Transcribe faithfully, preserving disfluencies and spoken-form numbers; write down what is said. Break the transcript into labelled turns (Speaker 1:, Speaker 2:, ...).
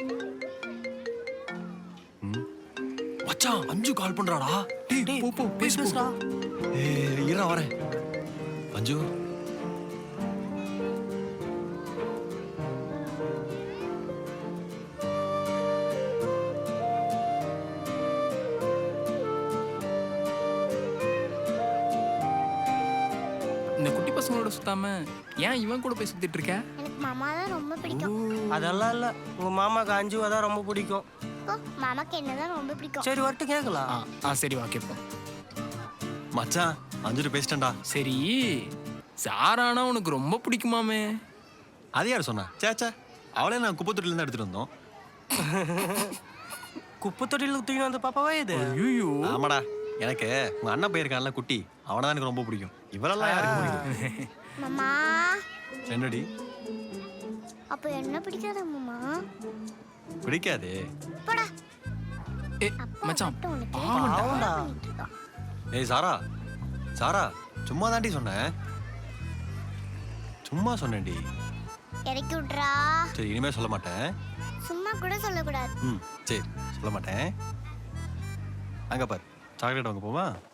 Speaker 1: மச்சான் அஞ்சு கால் பண்றாடா.
Speaker 2: டேய் போ போ பேசுடா.
Speaker 1: ஏய் இருடா வரேன். அஞ்சு
Speaker 2: இந்த குட்டி பசங்களோட சுத்தாம ஏன் இவன் கூட போய் சுத்திட்டு இருக்க?
Speaker 3: எனக்கு மாமா தான் ரொம்ப பிடிக்கும்.
Speaker 4: அதெல்லாம் இல்ல, உங்க மாமாக்கு அஞ்சுவா தான் ரொம்ப பிடிக்கும்.
Speaker 3: ஓ, மாமாக்கு என்னதான் ரொம்ப பிடிக்கும்.
Speaker 4: சரி வரட்டு கேட்கலாம்.
Speaker 2: ஆ ஆ சரி வா கேட்போம்.
Speaker 1: மச்சான் அஞ்சு பேசிட்டேன்டா.
Speaker 2: சரி சாரானா உனக்கு ரொம்ப பிடிக்குமாமே?
Speaker 1: அது யார் சொன்னா? சேச்சா அவளே நான் குப்பை தொட்டில இருந்து எடுத்துட்டு வந்தோம்.
Speaker 4: குப்பை தொட்டியில் தூக்கிட்டு வந்த பாப்பாவா இது?
Speaker 2: ஐயோ
Speaker 1: ஆமாடா, எனக்கு உங்க அண்ணன் போயிருக்கான்ல குட்டி, அவனை தான் எனக்கு ரொம்ப பிடிக்கும். இவரெல்லாம் யாருக்கு பிடிக்கும்?
Speaker 3: மாமா
Speaker 1: என்னடி
Speaker 3: அப்ப என்ன பிடிக்காத மாமா?
Speaker 1: பிடிக்காது.
Speaker 3: போடா.
Speaker 2: ஏ மச்சான்
Speaker 3: உனக்கு
Speaker 2: பாவம்டா.
Speaker 4: ஆமாடா.
Speaker 3: பண்ணிட்டு இருக்கான்.
Speaker 1: ஏய் சாரா, சாரா சும்மா தாண்டி சொன்னேன். சும்மா சொன்னேன்டி.
Speaker 3: இறக்கி விட்றா.
Speaker 1: சரி இனிமே சொல்ல மாட்டேன்.
Speaker 3: சும்மா கூட சொல்லக்கூடாது.
Speaker 1: ம் சரி சொல்ல மாட்டேன். அங்க பாரு சாக்லேட் வாங்க போவா.